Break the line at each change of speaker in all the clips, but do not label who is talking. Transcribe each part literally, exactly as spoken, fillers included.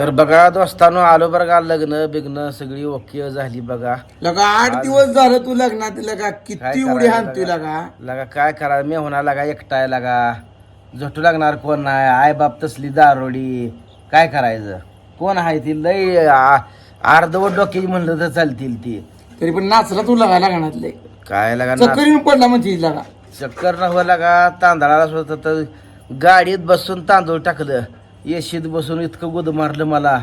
तर बघा दोस्तानो आलो बरं का लग्न बिग्न सगळी ओके झाली बघा.
लगा आठ दिवस झालं तू लग्नात लगा
काय
किती उडी
करायचं
हाणतोय
लगा?
लगा
लगा काय करा मी होणार लागा एकटाय लागा झटू लागणार कोण नाही आई बाप तसली दारोडी काय करायचं कोण आहे ती लय आ- अर्धवट डोक्याची म्हणलं तर चालतील ती
तरी पण नाचला तू लगा लग्नातले
काय लागा ना
चक्कर येऊन पडला म्हणजे लगा
चक्कर न हो लागा तांदळाला सुद्धा तर गाडीत बसून तांदूळ टाकलं येशीत बसून इतकं गुद मारलं मला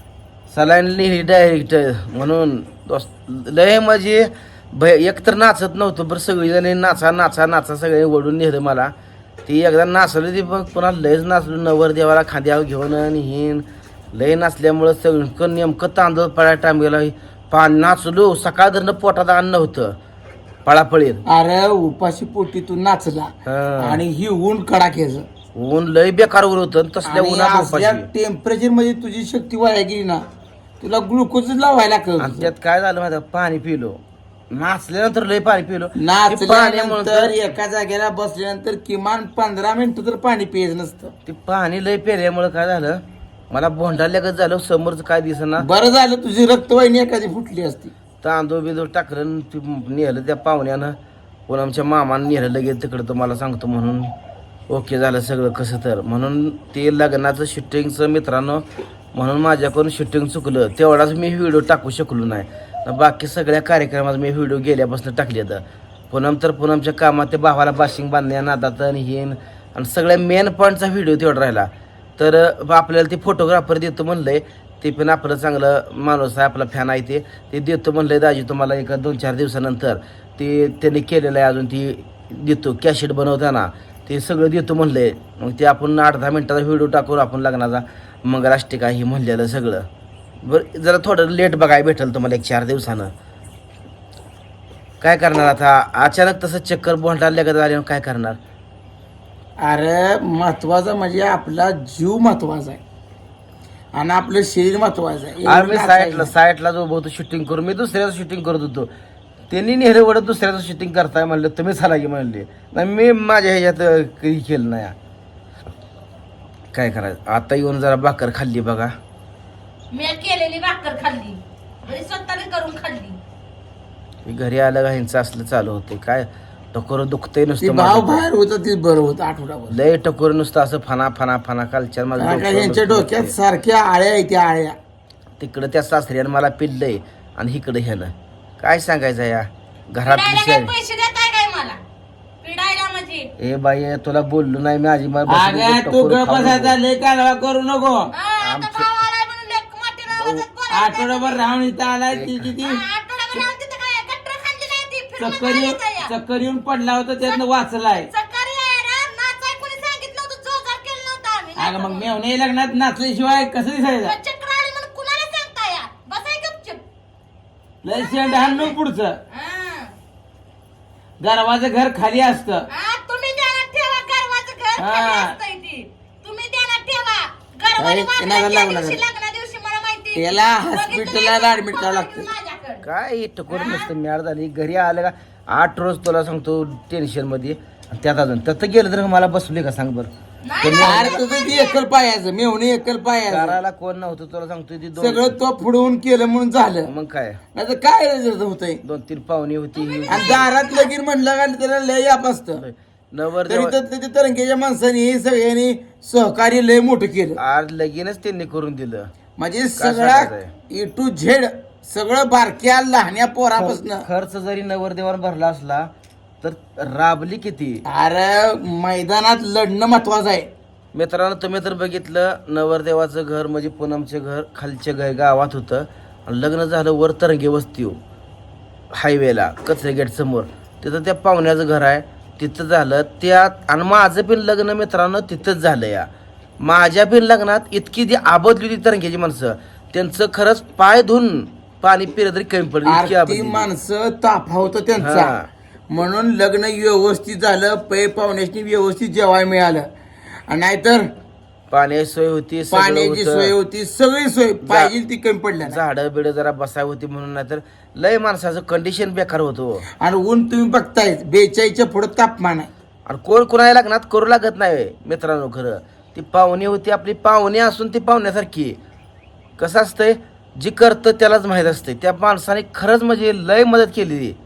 सलाईन लिहिली डायरेक्ट म्हणून दोस्त लय म्हणजे भय एकतर नाचत नव्हतं बरं सगळीजण नाचा नाचा नाचा सगळे ओढून नेलं मला ती एकदा नाचलं ती पण पुन्हा लयच नाचलो नवर देवाला खांद्यावर घेऊन आणि हिन लय नाचल्यामुळं सगळं नेमकं तांदूळ पळा टाइम गेला पा नाचलो सकाळ धरणं पोटात अन्न होतं पळापळीत.
अरे उपाशी पोटी तू नाचला
हा.
आणि ही ऊन कडाक्याचं
ऊन लय बेकार ऊन होतं तसल्या उन्हात उपाशी.
टेम्परेचर मध्ये तुझी शक्ती वाया गेली ना तुला ग्लुकोज लावायला
आणि
लागतं.
त्यात काय झालं माहिती आहे? पाणी पिलो नाचल्यानंतर लय पाणी पिलो ते
नाचल्यानंतर
पाण्यामुळं
एका जागेला बसल्यानंतर किमान पंधरा मिनिटं तर पाणी प्यायचं नसतं.
ते पाणी लय पेल्यामुळं काय झालं मला भोंडाल्यागत झालं समोरचं काय दिसना
बरं झालं तुझी रक्तवाहिनी एखादी फुटली असती.
तांदूळ बिंदूळ टाकलं आणि ते नेलं त्या पाहुण्यानं पुन्हा आमच्या मामानं नेलं लगेच तिकडं तुम्हाला सांगतो म्हणून ओके झालं सगळं कसं तर म्हणून ते लग्नाचं शूटिंगचं मित्रांनो म्हणून माझ्याकडून शूटिंग चुकलं तेवढाच मी व्हिडिओ टाकू शकलो नाही न बाकी सगळ्या कार्यक्रमात मी व्हिडिओ गेल्यापासून टाकले तर पुनम तर पुनमच्या कामात ते भावाला बाशिंग बांधण्या नादात आणि हिन आणि सगळ्या मेन पॉईंटचा व्हिडिओ तेवढा राहिला तर आपल्याला ते फोटोग्राफर देतो म्हणलंय ते पण आपलं चांगलं माणूस आहे आपला फॅन आहे ते ते देतो म्हणलंय दाजी तुम्हाला एका दोन चार दिवसानंतर ते त्यांनी केलेलं आहे अजून ती देतो कॅशेट बनवताना ते सगळं देतो म्हणलंय मग ते आपण आठ दहा मिनटाचा व्हिडिओ टाकून आपण लग्नाचा मंगलाष्टिका ही म्हणलेलं सगळं बरं जरा थोडं लेट बघायला भेटेल तुम्हाला एक चार दिवसानं काय करणार आता अचानक तसं चक्कर बोलटायला लगत आल्यावर काय करणार.
अरे महत्वाचं म्हणजे आपला जीव महत्वाचा आहे आणि आपलं शरीर महत्वाचं आहे.
आम्ही साईडला साईडला जो होतो शूटिंग करून मी दुसऱ्याचं शूटिंग करत होतो त्यांनी नेहरे वडत दुसऱ्याचं शूटिंग करताय म्हणलं तुम्ही चला की म्हणले नाही मी माझ्या ह्याच्यात काही केलं नाही काय करायचं आता येऊन जरा भाकर खाल्ली बघा
मी केलेली भाकर खाल्ली घरी स्वतःने करून खाल्ली.
घरी आलं का ह्यांचं असलं चालू होते काय टकोर दुखतंय
ती
नुसतं
भाव
माझं.
बाहेर होतं ते बरं होतं आठवडाभर.
लय टकोर नुसतं असं फना फना फना कालच्या माझं
कारण का
डोकं
यांच्या
दुखतंय.
डोक्यात सारख्या आळ्या आहेत त्या आळ्या.
तिकडं त्या सासऱ्यानं मला पिल्लंय आणि इकडं ह्यानं काय सांगायचं या घरात
पिडायला
विषय
काय पैसे देताय काय मला पिडायला म्हणजे
ए बाई तुला बोललो नाही मी आजी मला बसून
अगं
टकोर
तू
खाऊ नको.
गपासाचा लय कालवा करू नको.
हा, आता भाव आलाय म्हणून लेक मातीनं आवाजात बोलायचं.
आठवडाभर राहून इथं आलाय ती किती
हा, आठवडाभर राहून तिथं काय गट्टर खाल्ली नाही ती फिरून
चक्कर येऊन
मारायचं या.
चक्कर येऊन पडला होता त्यातनं वाचलाय.
सकाळी यायला नाचाय कोणी सांगितलं होतं जोजार केलं नव्हतं आम्ही
अगं मग मेवणे लग्नात नाचल्याशिवाय कसं दिसायचं.
मग चक्र आली म्हणून कुणाला सांगता या बसाय गपचूप.
लय शेंड हाणून पुढचं
हा.
दरवाचं घर खाली असतं.
हा, तुम्ही ध्यानात ठेवा गर्वाचं घर
हा.
खाली असतंय ते. तुम्ही ध्यानात ठेवा गर्वाने
काय
वागलं
कोणाला
त्या
लागलं
दिवशी,
नाही.
लग्ना दिवशी मला माहिती आहे.
त्याला
बघितलं
हॉस्पिटलला
नाही
ऍडमिट करावं लागतं.
माझ्याकडं.
काय टकोर नुसतं मिळाळ झाली घरी आलं का आठ रोज तुला सांगतो टेन्शन मध्ये त्यात अजून त्यात गेलं तर मला बसले का सांग बरं
नाही,
अरे तुझं ती एकल पायाचं मेवणे एकल पायाचं
करायला कोण नव्हतं तुला सांगतो ती दोन
सगळं तो पुढवून केलं म्हणून झालं.
मग काय
नाही तर काय होतंय.
दोन तीन पाहुणी होती
आणि दारात लगीन म्हणलं का त्याला लय याप असतं.
नवर
तरी तर त्याच्या तरंगेच्या माणसाने हे सगळ्यांनी सहकार्य लय मोठं केलं.
आज लगीनच त्यांनी करून दिलं
म्हणजे सगळा
सांगायचंय?
ए टू झेड सगळं बारक्या लहान्या पोरापासून.
खर्च जरी नवरदेवावर भरला असला तर राबली किती.
अरे मैदानात लढणं महत्वाचं आहे.
मित्रांनो तुम्ही तर बघितलं नवरदेवाचं घर म्हणजे पूनमचे घर खालच्या घर गावात होतं आणि लग्न झालं वर तरंगे वस्ती हायवेला कचरे गेट समोर तिथं त्या पाहुण्याचं घर आहे तिथं झालं त्यात आणि माझं पण लग्न मित्रांनो तिथंच झालं या माझ्या पण लग्नात इतकी ती आबदली होती तरंग्याची माणसं त्यांचं खरंच पाय धुवून पाणी पिलं तरी कमी पडलं इतकी
आरती
आबदली.
माणसं ताफावतं
हा.
त्यांचा म्हणून लग्न व्यवस्थित झालं. पै पाहुण्याची व्यवस्थित जेवाय मिळालं. आणि नाहीतर
पाण्याची सोय होती सगळं
पाण्याची सोय
होतं.
होती सगळी सोय पाहिजे ती कमी पडल्या नाही.
झाडं बिडं जरा बसाय होती म्हणून नाही तर लय माणसाचं कंडिशन बेकार होतो
आणि ऊन तुम्ही बघताय बेचाळीसच्या पुढे तापमान आहे.
आणि कोण कुणाला लग्नात करू लागत नाही मित्रांनो खरं ती पाहुणी होती आपली पाहुणी असून ती पाहुण्यासारखी कसं असतंय जी करतं त्यालाच माहीत असते त्या माणसाने खरंच म्हणजे लय मदत केलेली आहे.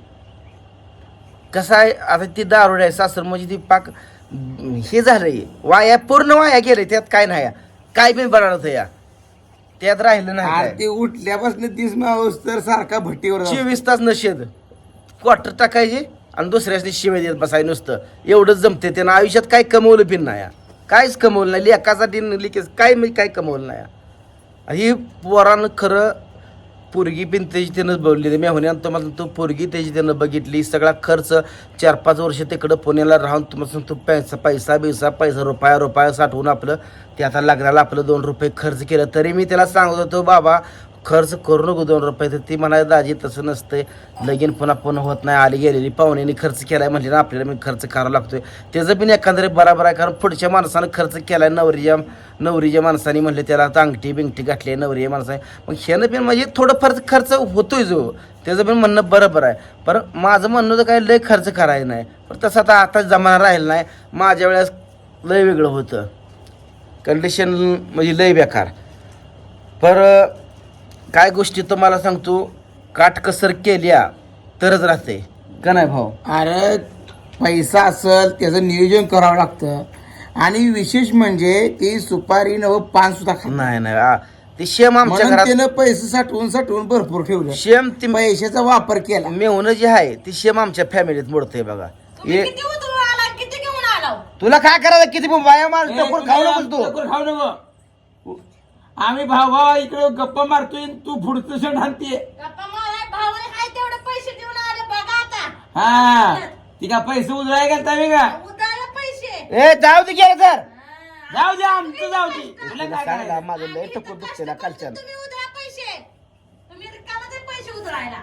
कसं आहे आता ती दारुड आहे सासर म्हणजे ती पाक हे झालंय वाया पूर्ण वाया गेलंय त्यात काय नाही या. काय बी बनवलं या त्यात राहिलं नाही
आणि
काय.
ते उठल्यापासून तीस मावस तर सारखा भट्टीवर असतो.
चोवीस तास नशेद क्वार्टर टाकायचे आणि दुसऱ्याच शिवाय देत बसाय नुसतं एवढंच जमते त्यानं आयुष्यात काय कमवलं पिन नाही या. काहीच कमवलं नाही लेकासाठी लिकेच काय मी काय कमवलं नाही या. ही पोरानं खरं पोरगी पिन त्याची त्यानं बघली मेहुण्यानं तुम्हाला तो पोरगी त्याची त्यानं बघितली सगळा खर्च चार पाच वर्ष तिकडं पुण्याला राहून तुम्हाला सांगतो पैसा पैसा बिसा पैसा रुपया रुपया साठवून आपलं ते आता लग्नाला आपलं दोन रुपये खर्च केलं तरी मी त्याला सांगत होतो बाबा खर्च करू नको दोन रुपये तर ती म्हणाली दाजी तसं नसतंय लगीन पुन्हा पुन्हा होत नाही आली गेलेली पाहुण्याने खर्च केलाय म्हणजे ना आपल्याला मी खर्च करावा लागतोय त्याचं पण एकंदरीत बरोबर आहे कारण पुढच्या माणसानं खर्च केलाय नवरीच्या नवरीच्या माणसाने म्हणले त्याला आता अंगठी बिंगठी घातली आहे नवरीच्या माणसाने मग ह्यानं पण म्हणजे थोडं फार खर्च होतोय जो त्याचं पण म्हणणं बरोबर आहे पण माझं म्हणणं तर काय लय खर्च करायचं नाही पण तसं आता आता जमाना राहिला नाही माझ्या वेळेस लय वेगळं होतं कंडिशन म्हणजे लय बेकार पर काय गोष्टी तुम्हाला सांगतो काटकसर केल्या तरच राहते का नाही भाऊ.
अरे पैसा असेल त्याचं नियोजन करावं लागतं आणि विशेष म्हणजे ती सुपारी नव पान सुद्धा खात
नाही नाही आ, ते शेम आमच्या
म्हणून
घरात
त्यानं पैसे साठवून साठवून भरपूर ठेवलं
शेम ती
पैशाचा वापर केला.
मेहुणं जे आहे ती शेम आमच्या फॅमिलीत मोडते बघा.
तुम्ही
हे
किती उतरून आला किती घेऊन आला
तुला काय करायचं किती बाया मार टकोर खाऊ नकोस तू.
टकोर खाऊ नको. आम्ही भाऊ भाऊ इकडे गप्पा मारतोय तू पुढचं सण आणते.
गप्पा माराय भावाने काय तेवढे पैसे देऊन आले बघा आता
हा ती का पैसे उजळाय घालता मी का
उधाळले पैसे
ए जाऊ दे गेलं तर
जाऊ दे आमचं जाऊ दे तुला काय
सांगा
करायचं?
माझं लय टकोर दुखते ना कालच्या
तुम्ही उधळा पैसे तुम्ही रिकामाचे पैसे उधळायला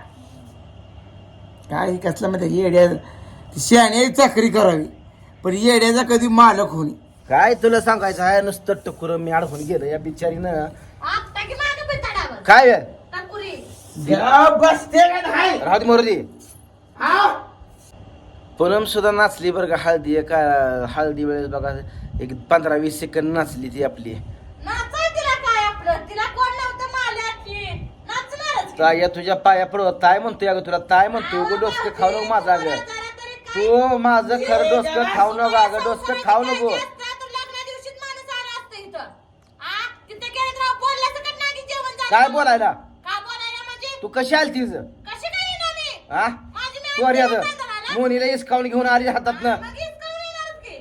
काय कसलं माहिती येड्या शहाणे चाकरी करावी पण येड्याचा कधी मालक होणी.
काय तुला सांगायचं आहे नुसतं टकुर मी अडकून गेलं या बिचारीनं
आता की मागे पिताडावर
काय
टाकुरी
बसते का नाही?
राहू दे मोरदी.
हा?
पूनम सुद्धा नाचली बरं का हळदी का हळदी वेळेस बघा एक पंधरा वीस सेकंद नाचली ती आपली.
नाचाय तिला काय आपलं तिला कोण नव्हतं माल्याची नाचणारच की.
ताया तुझ्या पाया पडत ताय म्हणतोय अगं तुला ताय म्हणतोय उगं डोसकं खाऊ नको माझं अगं
जरा तरी काय
तू माझं खरं डोसकं खाऊ नको अगं डोसकं खाऊ नको.
तू लग्ना दिवशीच माणूस आला असतं इथं आ तिथे गेलं तर बोलला सकट नागी जेवण झालं
काय बोलायला
का बोलायला म्हणजे
तू कशी आली तीच
कशी काय येणार मी
हा
माझी मी
तू अरे
आजी
आता
जेवण झालं
मोनीला इसकावून घेऊन आली हातात ना
मग इसकावून येणारच की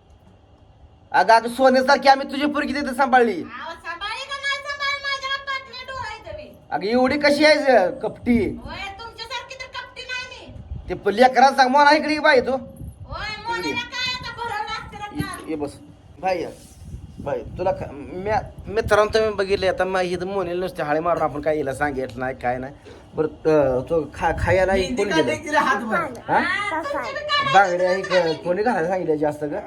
अगं अगं सोन्यासारखी आम्ही तुझी पोरगी तिथे सांभाळली.
आवाज सांभाळी का नाही सांभाळी माझ्या पाठीला डोळा आहे तुम्ही
अगं एवढी कशी आहे कपटी
होय तुमच्यासारखी तर कपटी नाही मी
ते लेकराला सांग मोना इकडे बाई तू
होय मोनीला काय आता भरवलं असतं ना
ये बस भाई भाई तुला का- म्या मित्रांनो तुम्ही बघितले आता मग इथं मोनीला नुसते हाळे मारून आपण काय हिला सांगितलं नाही काय नाही बरं अं, तो खा खायला हे कोणी गेलं
तिला हात भर.
हा
तुमची बी काय
बांगड्या हे क- कोणी घालायला सांगितलं जास्त का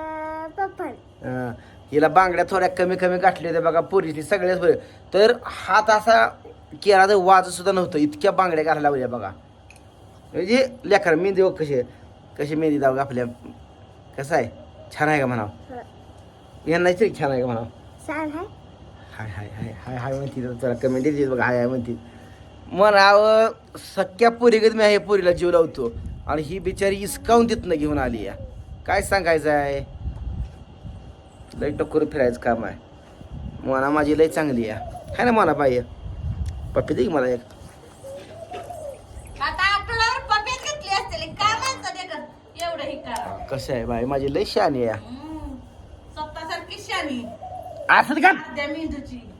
अं, हिला बांगड्या थोड्या कमी कमी गाठल्या होत्या बघा पोरीची सगळ्याच बरे तर हात असा केला तर वाज सुद्धा नव्हतं इतक्या बांगड्या घालायला लावल्या बघा म्हणजे लेखर मेहंदी बघ कशी आहे. कशी मेहंदी दाव आपल्या कसं आहे छान आहे का म्हणावं यांना तरी छान आहे का म्हणावं हाय हाय हाय हाय हाय म्हणती तर जरा कमेंट येते बघा हाय हाय म्हणती म्हणावं सख्या पोरीगत मी हे पोरीला जीव लावतो आणि ही बिचारी इसकावून तिथनं घेऊन आली या काय सांगायचं आहे लय टक्कर फिरायचं काम आहे मना माझी लय चांगली आहे हाय ना मना बाई पप्पी दे की मला एक
आता आठवड्यावर पप्यात घेतली असतील काय माणसं देखत एवढं हे करा
कसं आहे बाई माझी लय शानी आहे
स्वतःसारखी शानी
असं का
त्या मेंदूची